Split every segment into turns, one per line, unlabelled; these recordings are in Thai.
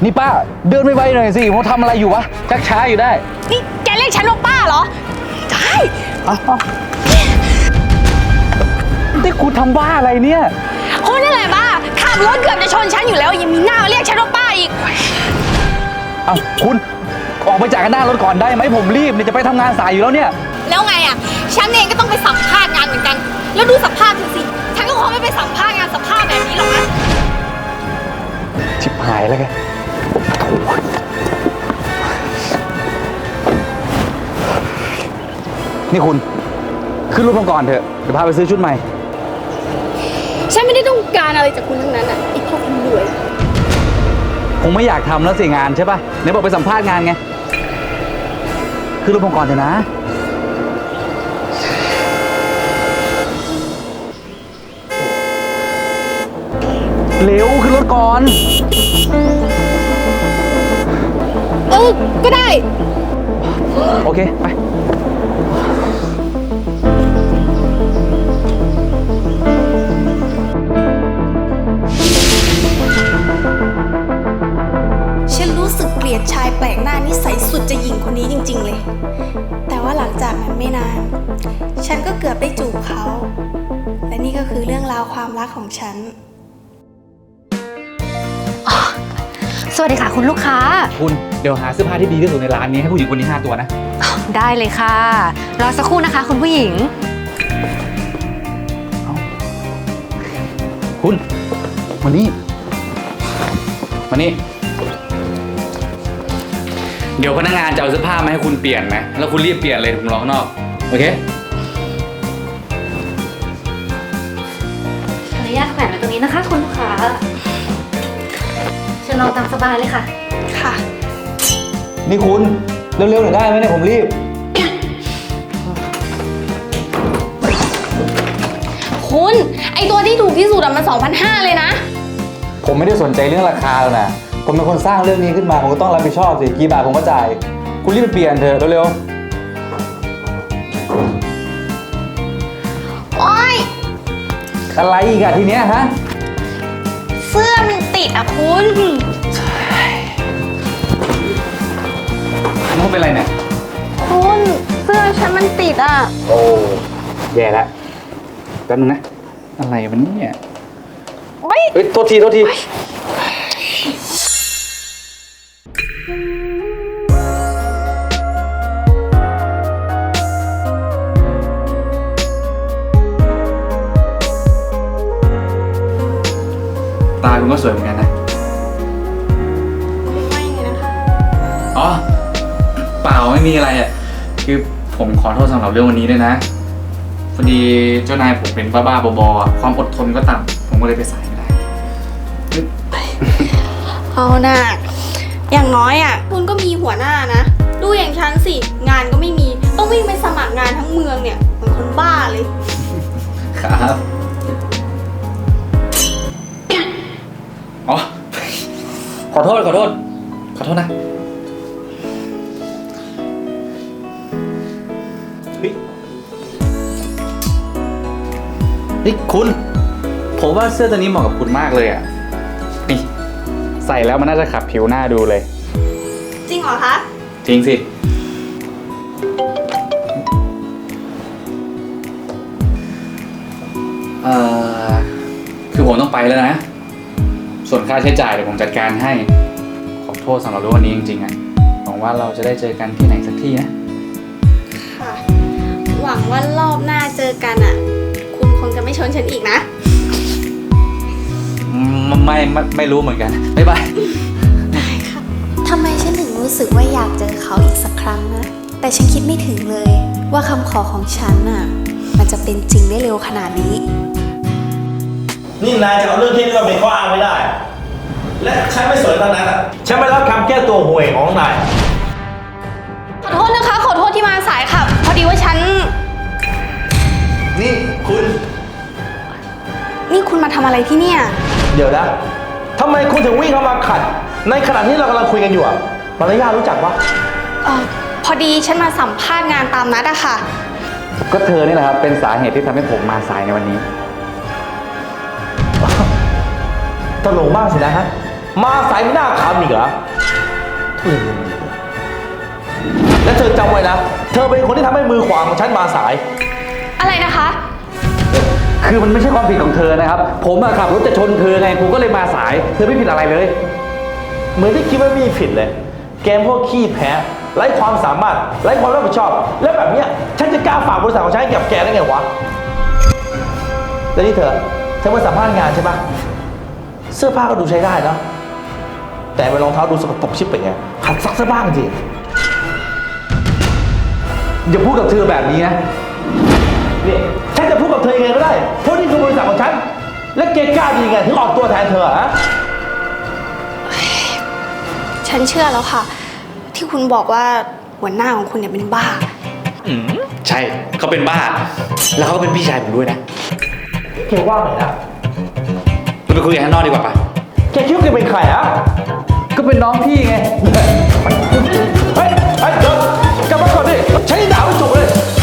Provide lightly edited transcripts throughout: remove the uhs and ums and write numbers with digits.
นี่ป้าเดินไวๆหน่อยสิผมทำอะไรอยู่วะชักช้าอยู่ได้
นี่แกเรียกฉันว่าป้าเหรอได้
นี่คุณทำบ้าอะไรเนี่ย
คุณนี่แหละบ้าขับรถเกือบจะชนฉันอยู่แล้วยังมีหน้ามาเรียกฉันว่าป้าอีก
คุณออกไปจากหน้ารถก่อนได้ไหมผมรีบเนี่ยจะไปทำงานสายอยู่แล้วเนี่ย
แล้วไงอ่ะฉันเองก็ต้องไปสัมภาษณ์งานเหมือนกันแล้วดูสภาพสิฉันก็คงไม่ไปสัมภาษณ์งานสภาพแบบนี้หรอกนะ
ชิบหายแล้วแกนี่คุณขึ้นรถผมก่อนเถอะเดี๋ยวพาไปซื้อชุดใหม่
ฉันไม่ได้ต้องการอะไรจากคุณทั้งนั้นอ่ะไอ้พวกคุณรวย
คงไม่อยากทำแล้วสิงานใช่ป่ะไหนบอกไปสัมภาษณ์งานไงขึ้นรถผมก่อนเถอะนะเร็วขึ้นรถก่อน
ก็ได้
โอเคไป
ฉันรู้สึกเกลียดชายแปลกหน้านิสัยสุดจะหยิ่งคนนี้จริงๆเลยแต่ว่าหลังจากนั้นไม่นานฉันก็เกือบได้จูบเขาและนี่ก็คือเรื่องราวความรักของฉัน
สวัสดีค่ะคุณลูกค้า
คุณเดี๋ยวหาเสื้อผ้าที่ดีที่สุดในร้านนี้ให้ผู้หญิงคนนี้5 ตัวนะ
ได้เลยค่ะรอสักครู่นะคะคุณผู้หญิง
คุณมานี่เดี๋ยวพนักงานจะเอาเสื้อผ้ามาให้คุณเปลี่ยนไหมแล้วคุณรีบเปลี่ยนเลยผมรอข้างนอกโอเค
ขออนุญาตแขวนไว้ตรงนี้นะคะคุณลูกค้าเชิญลองตามสบายเลยค่ะ
ค่ะ
นี่คุณเร็วๆหน่อยได้ไหมเนี่ยผมรีบ
คุณไอตัวที่ถูกที่สุดอะมัน 2,500 เลยนะ
ผมไม่ได้สนใจเรื่องราคาหรอกนะผมเป็นคนสร้างเรื่องนี้ขึ้นมาผมก็ต้องรับผิดชอบสิกี่บาทผมก็จ่ายคุณรีบไปเปลี่ยนเถอะเร็ว
โอ๊ย
อะไรอีกอะทีเนี้ยฮะ
เสื้อมันติดอะคุณ
มันเป็นอะไรเนี่ย
คุณเสื้อฉันมันติดอะ
โอ้แย่แล้วแป๊บนึงนะอะไรมันเนี่ยเฮ้ยโทษทีตาคุณก็สวยเหมือนกันนะ
ไม่นะคะ
อ๋อเปล่าไม่มีอะไรอ่ะคือผมขอโทษสำหรับเรื่องวันนี้ด้วยนะพอดีเจ้านายผมเป็นบ้าๆบอๆความอดทนก็ต่ำผมก็เลยไปสายไม่ได้
เอาน่ะอย่างน้อยอ่ะคุณก็มีหัวหน้านะดูอย่างฉันสิงานก็ไม่มีต้องวิ่งไปสมัครงานทั้งเมืองเนี่ยเหมือนคนบ้าเลย
ครับอ๋อขอโทษนะนี่คุณผมว่าเสื้อตัวนี้เหมาะกับคุณมากเลยอ่ะนี่ใส่แล้วมันน่าจะขับผิวหน้าดูเลย
จริงเหรอคะ
จริงสิคือผมต้องไปแล้วนะส่วนค่าใช้จ่ายเดี๋ยวผมจัดการให้ขอโทษสำหรับเรื่องวันนี้จริงๆอ่ะหวังว่าเราจะได้เจอกันที่ไหนสักที่นะ
ค่ะหวังว่ารอบหน้าเจอกันอ่ะคุณคงจะไม่ชนฉันอีกนะ
ไม่รู้เหมือนกันบ๊ายบาย
ทำไมฉันถึงรู้สึกว่าอยากเจอเขาอีกสักครั้งนะแต่ฉันคิดไม่ถึงเลยว่าคำขอของฉันน่ะมันจะเป็นจริงได้เร็วขนาดนี้
นี่นายจะเอาเรื่องที่นี่มาเป็นข้ออ้างไม่ได้และฉันไม่สนทั้งนั้นอ่ะฉันไม่รับคำแก้ตัวห่วยของนาย
ขอโทษนะคะขอโทษที่มาสายค่ะพอดีว่าฉัน
นี่
คุณมาทำอะไรที่เนี่ย
เดี๋ยวนะทำไมคุณถึงวิ่งเข้ามาขัดในขณะที่เรากำลังคุยกันอยู่อ่ะมารยาทรู้จักปะ
พอดีฉันมาสัมภาษณ์งานตามนัดอะค่ะ
ก็เธอนี่แหละครับเป็นสาเหตุที่ทำให้ผมมาสายในวันนี้
ตลกมากสินะฮะมาสายไม่น่าขำอีกเหรอและเธอจำไว้นะ เธอเป็นคนที่ทำให้มือขวาของฉันมาสาย
อะไรนะคะ
คือมันไม่ใช่ความผิดของเธอนะครับ ผมอะขับรถจะชนเธอไงผมก็เลยมาสาย เธอไม่ผิดอะไรเลย
เหมือนที่คิดว่ามีผิดเลย แกพวกขี้แพ้ ไร้ความสามารถ ไร้ความรับผิดชอบ แล้วแบบเนี้ยฉันจะกล้าฝากบริษัทของฉันให้กับแกได้ไงวะ แล้วนี่เธอมาสัมภาษณ์งานใช่ปะเสื้อผ้าก็ดูใช้ได้เนาะแต่เป็นรองเท้าดูสกปรกชิบเป่งไงหัดซักซะบ้างสิ
อย่าพูดกับเธอแบบนี้นะ
นี่ฉันจะพูดกับเธอยังไงก็ได้ เพราะนี่คือบริษัทของฉัน และแกกล้าดีไงถึงออกตัวแทนเธอฮะ
ฉันเชื่อแล้วค่ะ ที่คุณบอกว่าหัวหน้าของคุณเนี่ยเป็นบ้า
ใช่เขาเป็นบ้า แล้วเขาเป็นพี่ชายผมด้วยนะ
แกว่าไงนะ
เราไปคุยกันข้างนอกดีกว่าปะ
แกคิดว่าแกเป็นใครอะ
ก็เป็นน้องพี่ไง
เฮ้ยเดี๋ยวกลับมาก่อนดิฉันยังด่าไม่จบเลย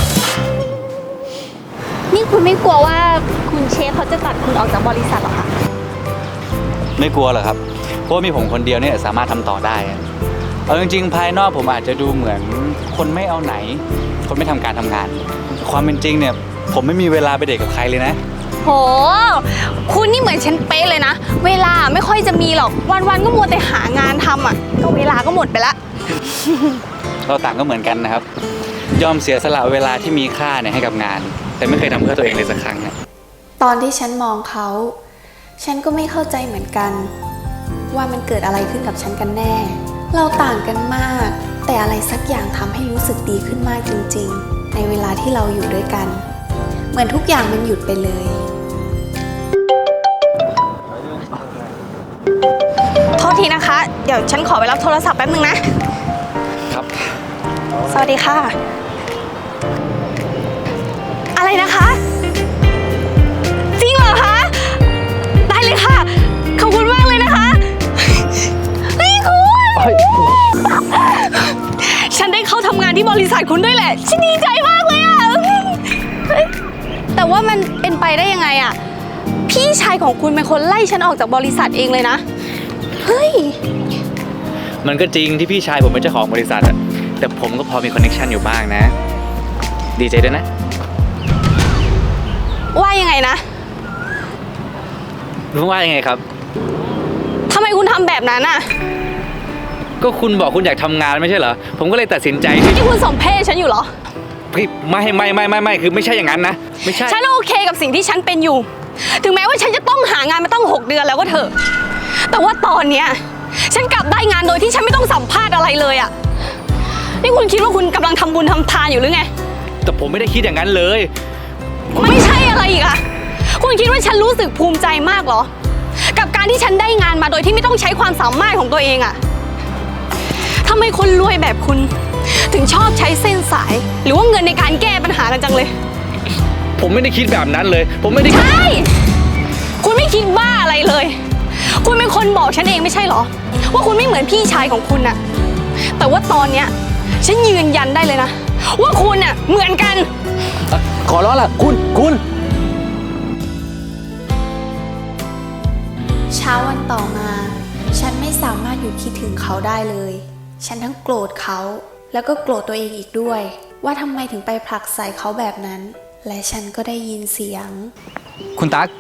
นี่คุณไม่กลัวว่าคุณเชฟเขาจะตัดคุณออกจากบริษัทหรอคะ
ไม่กลัวหรอกครับ เพราะว่ามีผมคนเดียวเนี่ยสามารถทำต่อได้อะเอาจริงๆ ภายนอกผมอาจจะดูเหมือนคนไม่เอาไหน คนไม่ทำการทำงาน ความเป็นจริงเนี่ยผมไม่มีเวลาไปเดทกับใครเลยนะ
โห คุณนี่เหมือนฉันเป๊ะเลยนะ เวลาไม่ค่อยจะมีหรอก วันๆก็มัวแต่หางานทำอ่ะ ก็เวลาก็หมดไปละ
เราต่างก็เหมือนกันนะครับ ยอมเสียสละเวลาที่มีค่าเนี่ยให้กับงาน แต่ไม่เคยทำเพื่อตัวเองเลยสักครั้งนะ
ตอนที่ฉันมองเขา ฉันก็ไม่เข้าใจเหมือนกัน ว่ามันเกิดอะไรขึ้นกับฉันกันแน่ เราต่างกันมาก แต่อะไรสักอย่างทำให้รู้สึกดีขึ้นมากจริงๆ ในเวลาที่เราอยู่ด้วยกัน เหมือนทุกอย่างมันหยุดไปเลย
โทษทีนะคะ เดี๋ยวฉันขอไปรับโทรศัพท์แป๊บนึงนะ
ครับ
สวัสดีค่ะ อะไรนะคะ จริงเหรอคะ ได้เลยค่ะ ขอบคุณมากเลยนะคะเฮ้ยคุณฉันได้เข้าทำงานที่บริษัทคุณด้วยแหละ ฉันดีใจมากเลยอะเฮ้ยแต่ว่ามันเป็นไปได้ยังไงอะพี่ชายของคุณเป็นคนไล่ฉันออกจากบริษัทเองเลยนะ เฮ้ย
มันก็จริงที่พี่ชายผมเป็นเจ้าของบริษัทอะแต่ผมก็พอมีคอนเนคชันอยู่บ้างนะ ดีใจด้วยนะ
ว่ายังไงนะ
รู้ว่ายังไงครับ
ทำไมคุณทำแบบนั้นอะ
ก็คุณบอกคุณอยากทำงานไม่ใช่เหรอ ผมก็เลยตัดสินใจที่
นี่คุณสมเพศฉันอยู่เหรอ
ไม่คือไม่ใช่อย่างนั้นนะ ไม่ใช่
ฉันโอเคกับสิ่งที่ฉันเป็นอยู่ ถึงแม้ว่าฉันจะต้องหางานมาตั้ง6 เดือนแล้วก็เถอะ แต่ว่าตอนเนี้ยฉันกลับได้งานโดยที่ฉันไม่ต้องสัมภาษณ์อะไรเลยอะนี่คุณคิดว่าคุณกำลังทำบุญทำทานอยู่หรือไง
แต่ผมไม่ได้คิดอย่างนั้นเลย
ไม่ใช่อะไรอีกอะคุณคิดว่าฉันรู้สึกภูมิใจมากเหรอ กับการที่ฉันได้งานมาโดยที่ไม่ต้องใช้ความสามารถของตัวเองอะทำไมคนรวยแบบคุณ ถึงชอบใช้เส้นสาย หรือว่าเงินในการแก้ปัญหากันจังเลย
ผมไม่ได้คิดแบบนั้นเลย ผมไม่ได้
ใช่ คุณไม่คิดบ้าอะไรเลย คุณเป็นคนบอกฉันเองไม่ใช่เหรอ ว่าคุณไม่เหมือนพี่ชายของคุณน่ะ แต่ว่าตอนเนี้ยฉันยืนยันได้เลยนะ ว่าคุณน่ะเหมือนกัน
ขอร้องล่ะคุณ
เช้าวันต่อมา ฉันไม่สามารถหยุดคิดถึงเขาได้เลย ฉันทั้งโกรธเขา แล้วก็โกรธตัวเองอีกด้วย ว่าทำไมถึงไปผลักใส่เขาแบบนั้น และฉันก็ได้ยินเสียง
คุณตั๊ก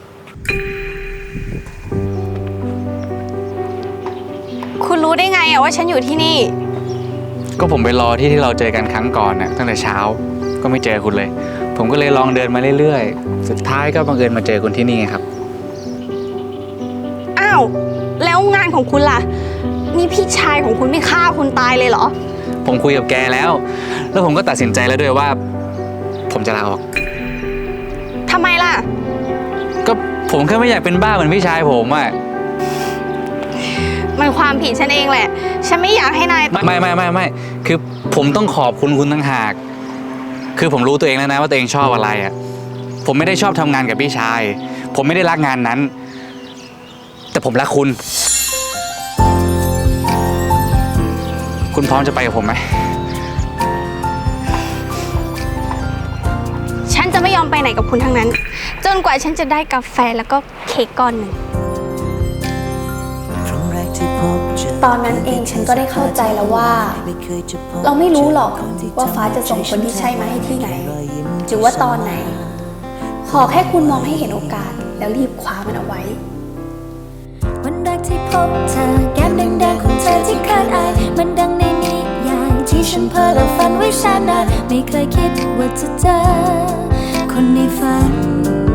คุณรู้ได้ไงอะว่าฉันอยู่ที่นี่
ก็ผมไปรอที่เราเจอกันครั้งก่อนน่ะตั้งแต่เช้าก็ไม่เจอคุณเลย ผมก็เลยลองเดินมาเรื่อยๆ สุดท้ายก็บังเอิญมาเจอคุณที่นี่ไงครับ
อ้าว แล้วงานของคุณล่ะ นี่พี่ชายของคุณไม่ฆ่าคุณตายเลยเหรอ
ผมคุยกับแกแล้ว แล้วผมก็ตัดสินใจแล้วด้วยว่า ผมจะลาออก
ทำไมล่ะ
ก็ผมแค่ไม่อยากเป็นบ้าเหมือนพี่ชายผมอ่ะ
มันความผิดฉันเองแหละ ฉันไม่อยากให้นาย
ไม่คือผมต้องขอบคุณคุณตั้งหาก คือผมรู้ตัวเองแล้วนะว่าตัวเองชอบอะไรอ่ะ ผมไม่ได้ชอบทำงานกับพี่ชาย ผมไม่ได้รักงานนั้น แต่ผมรักคุณ คุณพร้อมจะไปกับผมไหม
ฉันจะไม่ยอมไปไหนกับคุณทั้งนั้น จนกว่าฉันจะได้กาแฟแล้วก็เค้กก้อนหนึ่ง
ตรงไหน
ตอนนั้นเองฉันก็ได้เข้าใจแล้วว่า เราไม่รู้หรอกว่าฟ้าจะส่งคนที่ใช่มาให้ที่ไหน หรือว่าตอนไหน ขอแค่คุณมองให้เห็นโอกาส แล้วรีบคว้ามันเอาไว้
วันแรกที่พบเธอแก้มแดงๆของเธอที่คาดอายมันดังในนิยายที่ฉันเพ้อและฝันไว้แสนนานไม่เคยคิดว่าจะเจอคนในฝัน